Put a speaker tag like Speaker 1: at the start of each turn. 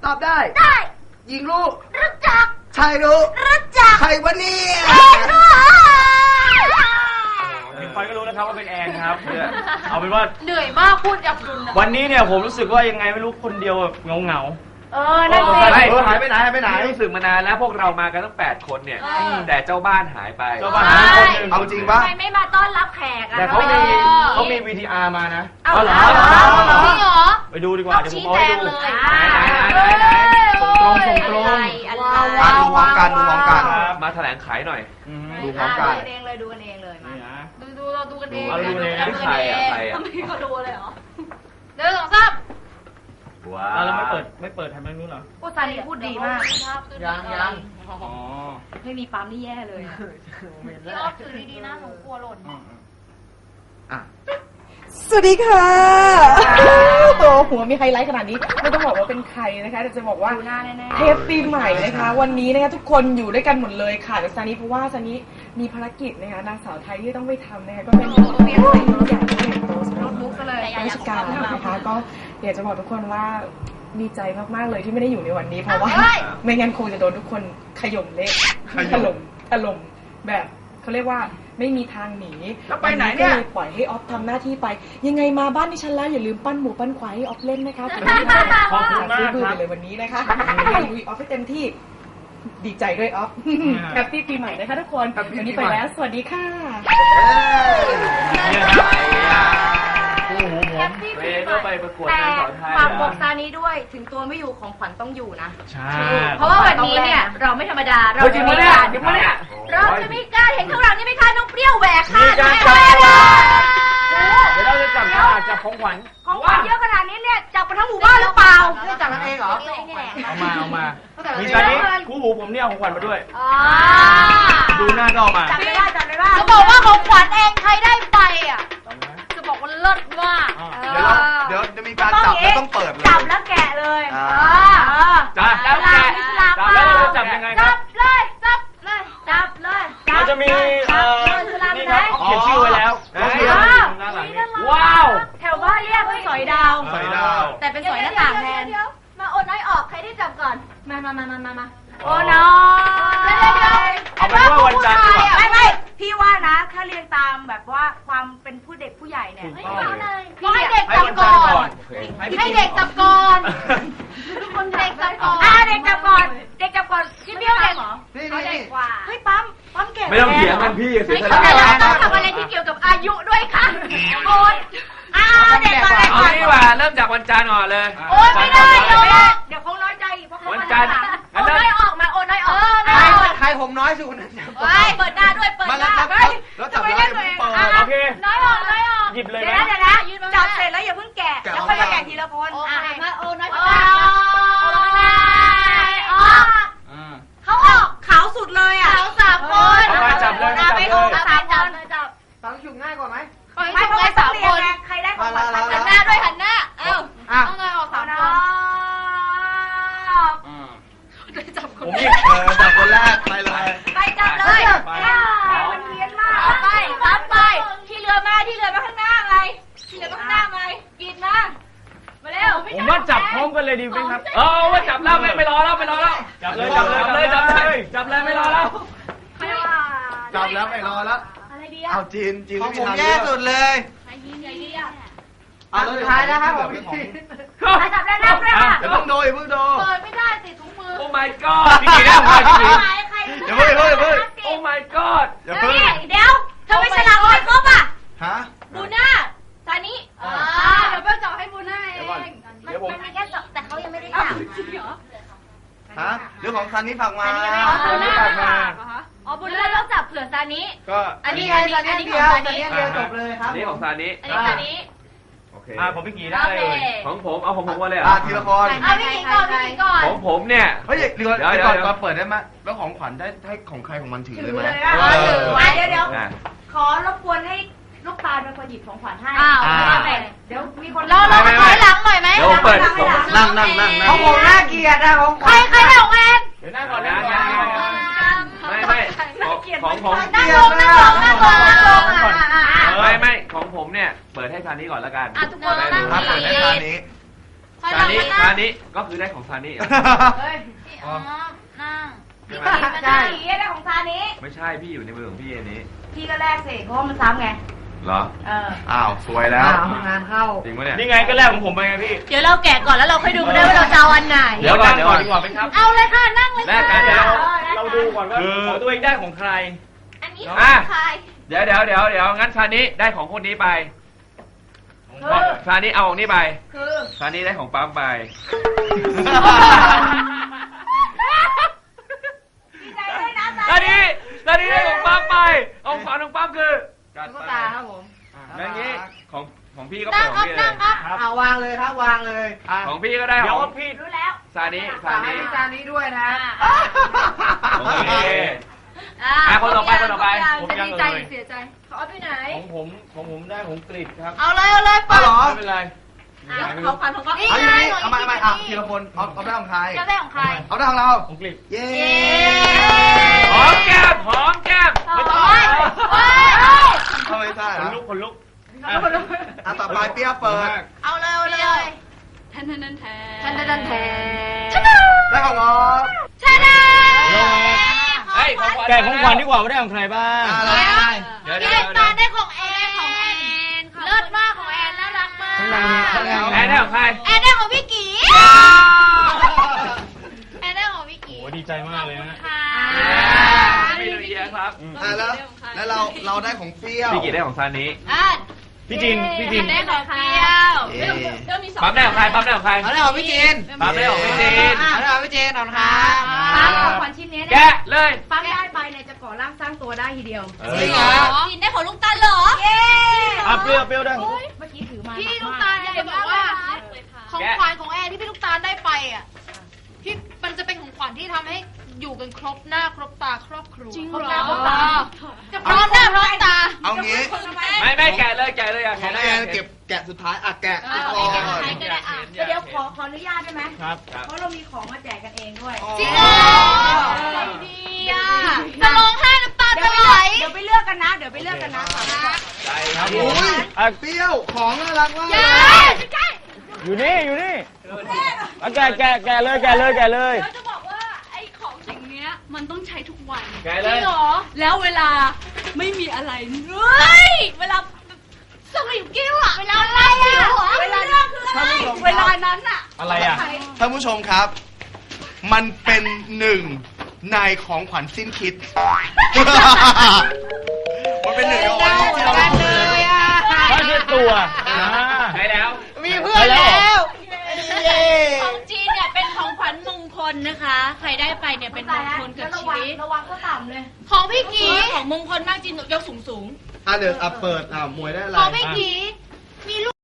Speaker 1: ตอบได้
Speaker 2: ได้
Speaker 1: หญิงรู้
Speaker 2: รู้จัก
Speaker 1: ชายรู้
Speaker 2: รู้จัก
Speaker 1: ใครวะเนี่ย
Speaker 3: ถึงคอยก็รู้นะครับว่าเป็นแอนครับเอาเป็นว่า
Speaker 2: เหนื่อยมากพูดอับดุล
Speaker 3: วันนี้เนี่ยผมรู้สึกว่ายังไงไม่รู้คนเดียวเงา
Speaker 2: นั่นสิ
Speaker 1: หายไปไหนหายไปไหน
Speaker 4: รู้สึกมานานแล้วพวกเรามากันตั้ง8 คนเนี่ยแต่เจ้าบ้านหายไป
Speaker 3: เจ้าบ้านหายคนหนึ่ง
Speaker 1: เอาจริงปะ
Speaker 2: ทำไมไม่มาต้อนรับแขกอะ
Speaker 3: แต่เขามี VTR มานะ
Speaker 2: เอาเหรอจริงเหรอ
Speaker 3: ไปดูดีกว่าเดี๋ยวผมเอาให้ดู
Speaker 2: ส่งตรง
Speaker 1: ดูพร้อมกันดูพร้อมกัน
Speaker 4: มาแถลงขายหน่อย
Speaker 1: ดูพร้อมกัน
Speaker 2: ดูกันเองเลยดูกันเองเลยมา
Speaker 3: นี่นะ
Speaker 2: ดูเราดูกันเอง
Speaker 3: เอาดูกันเองนะ
Speaker 4: ใครอ่ะ
Speaker 2: ทำไมเขาดูเลยเหรอเดินสองสาม
Speaker 4: ว้า
Speaker 3: แล้วไม่เปิดทำไมนู้นเหรอ
Speaker 2: พูดซานีพูดดีมาก
Speaker 1: ยัง
Speaker 3: อ๋อ
Speaker 2: ไม่มีปั๊มนี่แย่เลยพี่ออฟถือดีๆนะหนูกลัวหล่น
Speaker 1: อ่ะ
Speaker 5: สวัสดีค่ะโตหัวมีไฮไลท์ขนาดนี้ไม่ต้องบอกว่าเป็นใครนะคะแต่จะบอกว่า
Speaker 2: ดูหน้าแน่ๆ
Speaker 5: เทปปีใหม่นะคะวันนี้นะคะทุกคนอยู่ด้วยกันหมดเลยค่ะแต่ซานิเพราะว่าซานิมีภารกิจนะคะนางสาวไทยที่ต้องไปทำนะคะก็เป็นเรียนใหญ่ใหญ่ใหญ่โตสำหรับ
Speaker 2: มุกซะเลย
Speaker 5: ราชการนะคะก็อยากจะบอกทุกคนว่าดีใจมากๆเลยที่ไม่ได้อยู่ในวันนี้เพราะว่าไม่งั้นคงจะโดนทุกคนขย่มเละถล่มแบบเขาเรียกว่าไม่มีทางหนี
Speaker 1: แล้วไปไหนเนี่ย
Speaker 5: ก็เลยปล่อยให้ออฟทำหน้าที่ไปยังไงมาบ้านดิฉันแล้วอย่าลืมปั้นหมูปั้นควายให้ออฟเล่นนะคะ
Speaker 3: ขอบคุณมาก
Speaker 5: ซื้อบื้อ
Speaker 3: ค
Speaker 5: ไป
Speaker 3: รับ
Speaker 5: เลยวันนี้นะคะลุยออฟให้เต็มที่ดีใจด้วยออฟแฮปปี้ปีใหม่นะคะทุกคนวันนี้ไปแล้วสวัสดีค่ะ
Speaker 3: เนี่ยครับคู่หูผม
Speaker 4: เวก็ไปประกวด
Speaker 2: แต่
Speaker 4: นางสาวไทย
Speaker 2: ฝากบอกซานี้ด้วยถึงตัวไม่อยู่ของขวัญต้องอยู่นะ
Speaker 3: ใช่
Speaker 2: เพราะว่าวันนี้เนี่ยเราไม่ธรรมดาเราจะมีการเราจะมีการเห็นข้างหลังนี่ไหมคะน้องเปรี้ยวแหวกค่ะ
Speaker 3: มีการจับ
Speaker 2: เดี๋
Speaker 3: เดี๋ยวเราจะจับฉลากจับของขวัญ
Speaker 2: ของขวัญเยอะขนาดนี้เนี่ยจับไปทั้งหมู่บ้านหรือเปล่า
Speaker 1: ไม่จับกันเองเหรอ
Speaker 2: เองนี่แหละ
Speaker 3: เอามามีตอนนี้คู่หูผมเนี่ยเอาของขวัญมาด้วย
Speaker 2: อ๋อ
Speaker 3: ดูหน้าก็เอามา
Speaker 2: จับไม่ได้จะบอกว่าของขวัญเองใครได้ไปอ่ะจะบอกว่าเลิศมาก
Speaker 1: เดี๋ยวจะมีการจับแล้วต้องเปิดเลย
Speaker 2: จับแล้วแกะเลย
Speaker 3: จับแล้วแกะจับแล้วเราจะจับยังไงค
Speaker 2: จั
Speaker 3: รับบ
Speaker 2: เลยจับเลยจับเลย
Speaker 3: เราจะมีนี่ครับเขียนชื่อไว้แล้ว
Speaker 1: อ๋อ
Speaker 3: ด้านหลังนี้ว้าว
Speaker 2: แถวบ้านเรียกว่าสอยดาว
Speaker 1: ใส่ดาว
Speaker 2: แต่เป็นสอยหน้าต่างแทนมาโอนน้อยออกใครได้จับก่อนมาโอ้น้อย
Speaker 3: เอาเป็นว่าวันจันทร์ดีกว่า
Speaker 2: ไม่พี่ว่านะถ้าเรียงตามแบบว่าความเป็นผู้เด็กผู้ใหญ่เนี่ยพี่ให้เด็กจับก่อน ให้เด็กจับก่อนทุกคนเด็กจับก่อนเด็กจับก่อนพี่เบี้ยวเด็กเหรอ
Speaker 1: นี่
Speaker 2: เขาเด็
Speaker 1: นี่
Speaker 2: กกว่าเฮ้ยปั๊มเก่ง
Speaker 4: ไม่ต้องเถียงกันพี่เสียส
Speaker 2: แต่
Speaker 4: ละ
Speaker 2: เราต้องทำอะไรที่เกี่ยวกับอายุด้วยค่ะโอนเด็กก่อน
Speaker 4: เอาดีกว่าเริ่มจากวันจันทร์ก่อนเลย
Speaker 2: โอนไม่ได้เดี๋ยวเขาน้อยใจเพราะเขาโอนน้อยออกมาโอนน้อยออก
Speaker 1: ใครผมน้อยสุดคนนั้นจับ
Speaker 2: เปิดหน้าด้วยเปิด
Speaker 1: มา
Speaker 2: ห
Speaker 1: แล้ว
Speaker 2: น้า
Speaker 1: จับแล้วจับแล้วเปิด
Speaker 3: โอเค
Speaker 2: น้อยออก
Speaker 3: หยิบเลยไหม
Speaker 2: เดี๋ยวนะจับเสร็จแล้วอย่าเพิ่งแกะแล้วค่อยมาแกะทีละคนมาโอนน้อยเขาออกขาวสุดเลยอ่ะขาว3 คน
Speaker 3: เอามาจับเลย
Speaker 2: ไปออก3 คน
Speaker 1: ฟังฉุกง่ายกว่าไหม
Speaker 2: ไม่เพราะว่า3 คนใครได้ของขวัญหันหน้าด้วยหันหน้าเอ้าต้องเลยออก3 คน
Speaker 3: ผมหยิบ
Speaker 1: จับคนแรกไปเลย
Speaker 2: ไปจับเลยมันเพี้ยนมากไปรับไปที่เรือมาข้างหน้าไงที่เรือมาข้างหน้าไงกินมาเร็ว
Speaker 3: ผมว่าจับพร้อมกันเลยดีไหมครับ
Speaker 4: ว่าจับแล้วไม่รอแล้ว
Speaker 3: จับเลยไม่รอแล้ว
Speaker 1: จับแล้วไม่รอแล้ว
Speaker 2: อะไรดี
Speaker 1: เอาจีน
Speaker 6: ของผมแย่สุดเลย
Speaker 2: ไอ้ดีอ่ะ
Speaker 1: เอาสุดท้ายนะครับผม
Speaker 2: จับได้แล้วด้วยค่ะ
Speaker 1: เดี๋ยวเพิ่งโดยเพิ่งโด
Speaker 2: เปิดไม่ได้ติดถุงมือ
Speaker 4: โอ้ my god พี่กี่ได้ของพี่กี่
Speaker 1: เดี๋ยวเพิ่ง
Speaker 4: โอ้ my god
Speaker 1: อย่าเพิ่ง
Speaker 2: เดี๋ยวทำไมฉลากไม่ครบอ่ะ
Speaker 1: ฮะ
Speaker 2: บูน่าตอนนี้เดี๋ยวเพิ่งจับให้บูน่าเองมันมีแค่จับแต่เขายังไม่ได้จับ
Speaker 1: ฮะเรื่องของซันนี่ฝากมา
Speaker 3: บูน่าฝากมา
Speaker 2: อ๋อบูน่าต้องจับเผื่อซานิ
Speaker 3: ก็
Speaker 2: อันนี้
Speaker 6: อั
Speaker 2: ของ
Speaker 6: นนี้
Speaker 2: ซา
Speaker 6: เดียว จบเลยครับ
Speaker 4: นี่ของซานิ
Speaker 2: อันนี้ซานิ
Speaker 4: โอเค
Speaker 3: ผมพี่กี่ได้เลย
Speaker 4: ของผมเอาของผมมาเลยเหร
Speaker 1: อ่ะ
Speaker 4: อ
Speaker 1: ทีละคน
Speaker 2: เอาพี่ก่อน
Speaker 4: ของผมเนี่ย
Speaker 1: เฮ้ยเดี๋ยวก่อนมาเปิดได้ไหมแล้วของขวัญได้ให้ของใครของมันถือเลยไหม
Speaker 2: เดี๋ยวขอรบกวนให้ลูกตาลเป็นคนหยิบของขวัญให้เดี๋ยวมีคนเราถอยหลังหน่อยไหม
Speaker 4: เดี๋ยวเปิด
Speaker 1: นั่ง
Speaker 6: ของผมน่าเกลียดนะของ
Speaker 2: ใครได้ของแอน
Speaker 3: เดี๋ยวนั่งก่อน
Speaker 4: ไม่ของผม
Speaker 2: นั่งลง
Speaker 4: ไม่ของผมเนี่ยเปิดให้ซานิก่อนแล้วกัน
Speaker 2: ทุกคนนั่ง
Speaker 1: ครับเปิดได้ทางนี้
Speaker 4: ซานิก็คือได้ของซานิ
Speaker 2: เฮ้ยอ๋อนั่ง
Speaker 4: ใช่ไหม
Speaker 2: ใช่ได้ของซานี้
Speaker 4: ไม่ใช่พี่อยู่ในมือของพี่อันนี้
Speaker 2: พี่ก็แลกสิเพราะว่ามันซ้ำไง
Speaker 4: เหรอ
Speaker 1: อ้าวสวยแล้ว
Speaker 6: งานเข้า
Speaker 4: จริงปะเนี่ย
Speaker 3: นี่ไงก็แรกของผมไปไงพี่
Speaker 2: เดี๋ยวเราแกะก่อนแล้วเราค่อยดูกันได้ว่าเราจะเอาอันไหน
Speaker 4: เดี๋ยวก่อนดีกว่าไหมครับ
Speaker 2: เอาเลยค่ะนั่งเลย
Speaker 4: แลกกันเดี๋ยว
Speaker 3: เราดูก่อนว่า
Speaker 4: คือ
Speaker 3: ของตัวเองได้ของใคร
Speaker 2: อันนี้
Speaker 4: อ่ะ
Speaker 2: ใคร
Speaker 4: เดี๋ยวงั้นซานิได้ของคนนี้ไปซานิเอาของนี้ไป
Speaker 2: คือ
Speaker 4: ซานิได้ของปั๊มไป
Speaker 2: ดีใจด้วยนะ
Speaker 4: ซานิได้ของปั๊มไปเอาของของปั๊มคือ
Speaker 6: ตุ๊กตาครับผม
Speaker 4: อย่างนี้ของพี่ก็
Speaker 2: นั่
Speaker 4: เปิ
Speaker 2: ง
Speaker 4: ด
Speaker 2: ค
Speaker 4: ข
Speaker 2: รั
Speaker 4: อบ งพี่เล
Speaker 2: นั่
Speaker 4: ย
Speaker 2: งครับ
Speaker 6: เอาวางเลยครับวางเลย
Speaker 4: ของพี่ก็ได้
Speaker 3: เดี๋ยว
Speaker 4: ของ
Speaker 3: พี่
Speaker 2: รู้แล้ว
Speaker 4: ซานิ
Speaker 6: ฝากให้จานนี้ด้วยนะ
Speaker 4: โอเค คนต่อไป
Speaker 3: ผมยัง
Speaker 2: ดีใจ
Speaker 3: เลย
Speaker 2: เสียใจเขาเอาไปไหน
Speaker 3: ของผมได้ของกรีฑครับ
Speaker 2: เอาเลยเปิด
Speaker 1: เหรอ
Speaker 3: ไม่เป็นไร
Speaker 2: เขาฟันของเขา
Speaker 1: เอาอย่างนี้เอามาทีละคนเอาได้ของใคร
Speaker 2: จะได้ของใคร
Speaker 1: เอาได้ของเรา
Speaker 3: ของกรีฑ
Speaker 1: เย้
Speaker 4: หอมแก้มไม่ต้อง
Speaker 1: ทำไมใช่
Speaker 3: คนลุกคนลุก
Speaker 1: อ่ะต่อไปเปียเปิด
Speaker 2: เอาเลยแทน
Speaker 1: ได้ของออฟ
Speaker 2: ชนะ
Speaker 4: เฮ้ยของขวัญ
Speaker 3: แกะของขวัญดีกว่าว่าได้ของใครบ้าง
Speaker 1: อะไร
Speaker 4: เดี๋ยว
Speaker 2: พี่เล็กตาได้ของแอนเลิศมากของแอนน่ารักมาก
Speaker 4: แอนได้ของใคร
Speaker 2: แอนได้ของพี่กีแอนได้ของพี่กี
Speaker 3: โอ้ดีใจมากเลยนะ
Speaker 2: ค่ะ
Speaker 4: ไม่รู้เยอะครับ
Speaker 1: แล้วเราได้ของเปรี้ยว
Speaker 4: พี่กี่ได้ของซานิ
Speaker 3: พี่จิน
Speaker 2: ได้ของเปรี้ยว
Speaker 4: ปั๊มได้ของใคร
Speaker 6: เอาได้ของพี่จีน
Speaker 4: ปั๊มได้ของพี่จีน
Speaker 6: เอาได้ของพี่จีนเอาครับ
Speaker 2: ปั๊มของขวัญชิ้นนี้
Speaker 4: แกะเลย
Speaker 2: ปั๊มได้ไปเนี่ยจะก่อร่างสร้างตัวได้ทีเดียว
Speaker 6: จริงเหรอ
Speaker 2: กินได้ของลูกตาลเหรอ เย้
Speaker 3: อ่ะเปรี้ยวได้ของ
Speaker 2: เมื่อกี้ถือมา
Speaker 7: พี่ลูกตาลอยากจะบอกว่าของขวัญของแอนที่พี่ลูกตาลได้ไปอ่ะพี่มันจะเป็นของขวัญที่ทำให้อยู่กันครบหน้าครบตาครอบครัว
Speaker 2: จริง
Speaker 7: ครบ
Speaker 2: เหร
Speaker 7: หน้า
Speaker 2: อ
Speaker 7: ครบตาจะพร้อมหน้าพร้อมตา
Speaker 1: เอางี้
Speaker 4: ไม่แกะเลยอยาก
Speaker 1: ของแอนเก็บแกะสุดท้ายแกะก่อน
Speaker 2: เดี๋ยวขออนุญาตได้ไหม
Speaker 3: ครับ
Speaker 2: เพราะเรามีของมาแจกกันเองด้วย
Speaker 7: จริงเหรอดีอ่ะจะร้องไห้น้ำตาจะไหล
Speaker 2: เดี๋ยวไปเลือกกันนะ
Speaker 4: ใจครับ
Speaker 1: อุ้ยเปรี้ยวของน่ารักมาก
Speaker 7: อย่า
Speaker 3: อยู่นี่อ่ะแกะเลย
Speaker 7: เดี๋ยวจะบอกว่าไอ้ของสิ่งเนี้ยมันต้องใช้ทุกวัน
Speaker 4: แกะเลย
Speaker 7: แล้วเวลาไม่มีอะไรเฮ้ยเวลาสวิงกิ้วอะเวลาอะไรอะเวลาเวลานั้นอะ
Speaker 3: อะไรอ่ะ
Speaker 1: ท่านผู้ชมครับ มันเป็นหนึ่งในของขวัญสิ้นคิด มันเป็นหนึ่งในของขวัญสิ้นคิดที่เรา
Speaker 6: เลยอ่ะ
Speaker 3: ไม่ใช่ตัวอ่า
Speaker 4: ใช้แล้ว
Speaker 6: มีเพื่อนแล้ว
Speaker 7: ของจีนเนี่ยเป็นของขวัญมงคลนะคะ ใครได้ไปเนี่ยเป็นมงคลกับชีวิต
Speaker 2: ระวังก็ต่ำเลย
Speaker 7: ของพี่กีของมงคลมากจีนยกสูง
Speaker 1: อ่ะเดี๋ยวเปิดมวยได้อะไร
Speaker 7: ของพี่กีมีลูก